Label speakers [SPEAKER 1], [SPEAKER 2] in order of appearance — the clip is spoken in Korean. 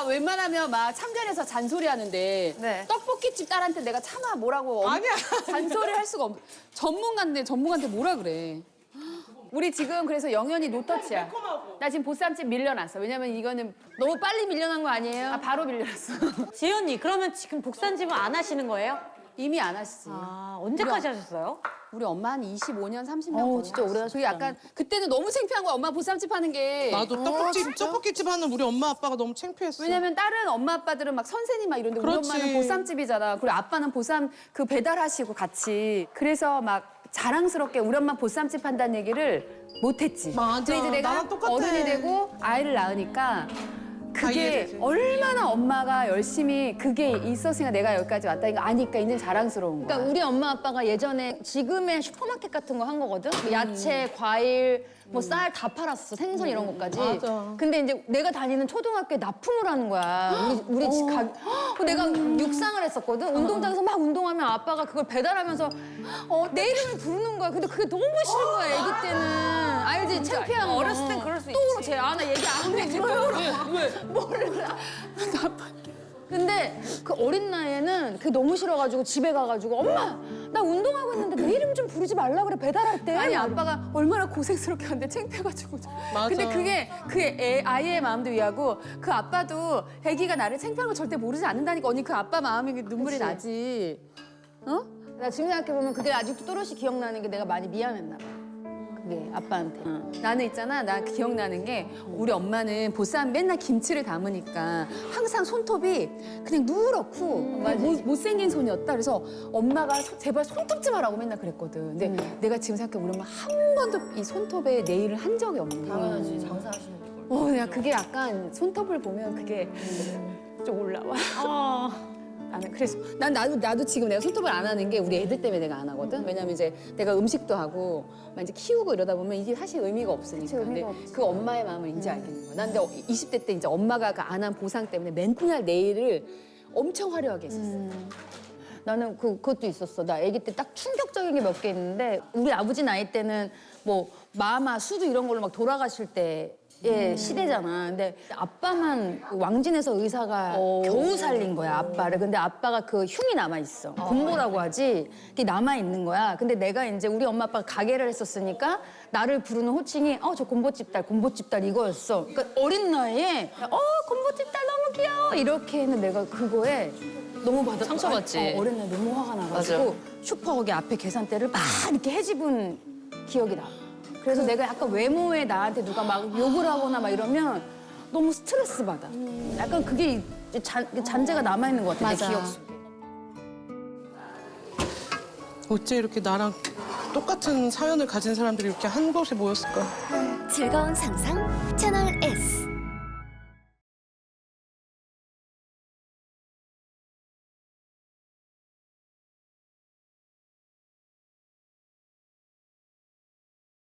[SPEAKER 1] 웬만하면 막 참전해서 잔소리 하는데
[SPEAKER 2] 네.
[SPEAKER 1] 떡볶이집 딸한테 내가 차마 뭐라고
[SPEAKER 3] 아니야.
[SPEAKER 1] 잔소리 할 수가 없. 전문가한테 뭐라 그래. 우리 지금 그래서 영현이 노터치야. 나 지금 보쌈집 밀려났어. 왜냐면 이거는 너무 빨리 밀려난 거 아니에요? 아, 바로 밀려났어.
[SPEAKER 2] 지연이 그러면 지금 복산집은 안 하시는 거예요?
[SPEAKER 1] 이미 안 하시지.
[SPEAKER 2] 아 언제까지 하셨어요?
[SPEAKER 1] 우리 엄마 한 25년, 30년
[SPEAKER 2] 어우,
[SPEAKER 1] 거의
[SPEAKER 2] 진짜 오래
[SPEAKER 1] 하셨어. 그게 약간 그때는 너무 창피한 거야. 엄마 보쌈집 하는 게.
[SPEAKER 3] 나도 떡볶이집 하는 우리 엄마 아빠가 너무 창피했어.
[SPEAKER 1] 왜냐면 다른 엄마 아빠들은 막 선생님 막 이런데 우리
[SPEAKER 3] 그렇지.
[SPEAKER 1] 엄마는 보쌈집이잖아. 그리고 아빠는 보쌈 그 배달하시고 같이. 그래서 막 자랑스럽게 우리 엄마 보쌈집 한다는 얘기를 못했지.
[SPEAKER 3] 맞아.
[SPEAKER 1] 근데 이제 내가
[SPEAKER 3] 나랑 똑같아.
[SPEAKER 1] 어른이 되고 아이를 낳으니까
[SPEAKER 3] 다
[SPEAKER 1] 그게
[SPEAKER 3] 이해되지.
[SPEAKER 1] 얼마나 엄마가 열심히 그게 있었으니까 내가 여기까지 왔다. 이거 아니까 이제 자랑스러운 거야.
[SPEAKER 4] 그러니까 우리 엄마 아빠가 예전에 지금의 슈퍼마켓 같은 거 한 거거든. 뭐 야채, 과일, 뭐 쌀 다 팔았어. 생선 이런 것까지.
[SPEAKER 3] 맞아.
[SPEAKER 4] 근데 이제 내가 다니는 초등학교에 납품을 하는 거야. 우리 집 내가 육상을 했었거든. 운동장에서 막 운동하면 아빠가 그걸 배달하면서 내 이름을 부르는 거야. 근데 그게 너무 싫은 거야. 애기 때는. 알지? 창피한 거.
[SPEAKER 2] 어렸을 땐 그럴 수 있지.
[SPEAKER 4] 또 쟤 나 얘기 안 해. 왜? 몰라. 근데 그 어린 나이에는 그게 너무 싫어가지고 집에 가가지고 엄마 나 운동하고 있는데 내 이름 좀 부르지 말라 그래 배달할 때.
[SPEAKER 1] 아니 아빠가 얼마나 고생스럽게 하는데 창피해가지고.
[SPEAKER 3] 맞아.
[SPEAKER 1] 근데 그게 아이의 마음도 이해하고 그 아빠도 애기가 나를 창피한 걸 절대 모르지 않는다니까. 언니 그 아빠 마음이 눈물이
[SPEAKER 4] 그치.
[SPEAKER 1] 나지. 어?
[SPEAKER 4] 나 지금 생각해보면 그게 아직도 또렷이 기억나는 게 내가 많이 미안했나 봐. 그게 아빠한테.
[SPEAKER 1] 나는 있잖아, 나 기억나는 게 우리 엄마는 보쌈 맨날 김치를 담으니까 항상 손톱이 그냥 누렇고 못생긴 손이었다. 그래서 엄마가 제발 손톱 좀 하라고 맨날 그랬거든. 근데 내가 지금 생각해 우리 엄마 한 번도 이 손톱에 네일을 한 적이 없는 거야.
[SPEAKER 4] 당연하지 장사하시는 거.
[SPEAKER 1] 그냥 그게 약간 손톱을 보면 그게 좀 올라와. 나는 그래서 나도 지금 내가 손톱을 안 하는 게 우리 애들 때문에 내가 안 하거든. 왜냐면 이제 내가 음식도 하고 막 이제 키우고 이러다 보면 이게 사실 의미가 없으니까.
[SPEAKER 4] 의미가
[SPEAKER 1] 근데
[SPEAKER 4] 없지.
[SPEAKER 1] 그 엄마의 마음을 이제 알겠는 거야. 난 근데 20대 때 이제 엄마가 그 안 한 보상 때문에 맨날 네일을 엄청 화려하게 했었어.
[SPEAKER 4] 나는 그것도 있었어. 나 아기 때 딱 충격적인 게 몇 개 있는데 우리 아버지 나이 때는 뭐 마마, 수두 이런 걸로 막 돌아가실 때의 시대잖아. 근데 아빠만 왕진에서 의사가 겨우 살린 거야, 아빠를. 근데 아빠가 그 흉이 남아있어. 곰보라고 하지. 그게 남아있는 거야. 근데 내가 이제 우리 엄마 아빠가 가게를 했었으니까 나를 부르는 호칭이 저 곰보집 딸 이거였어. 그러니까 어린 나이에 곰보집 딸 너무 귀여워. 이렇게 했는데 내가 그거에 너무
[SPEAKER 2] 상처받지.
[SPEAKER 4] 어린 날 너무 화가 나가지고 슈퍼 거기 앞에 계산대를 막 이렇게 헤집은 기억이 나. 그래서 내가 약간 외모에 나한테 누가 막 욕을 하거나 막 이러면 너무 스트레스 받아. 약간 그게 잔재가 남아있는 것 같아, 내 기억 속에.
[SPEAKER 3] 어째 이렇게 나랑 똑같은 사연을 가진 사람들이 이렇게 한 곳에 모였을까?
[SPEAKER 5] 즐거운 상상 채널 S.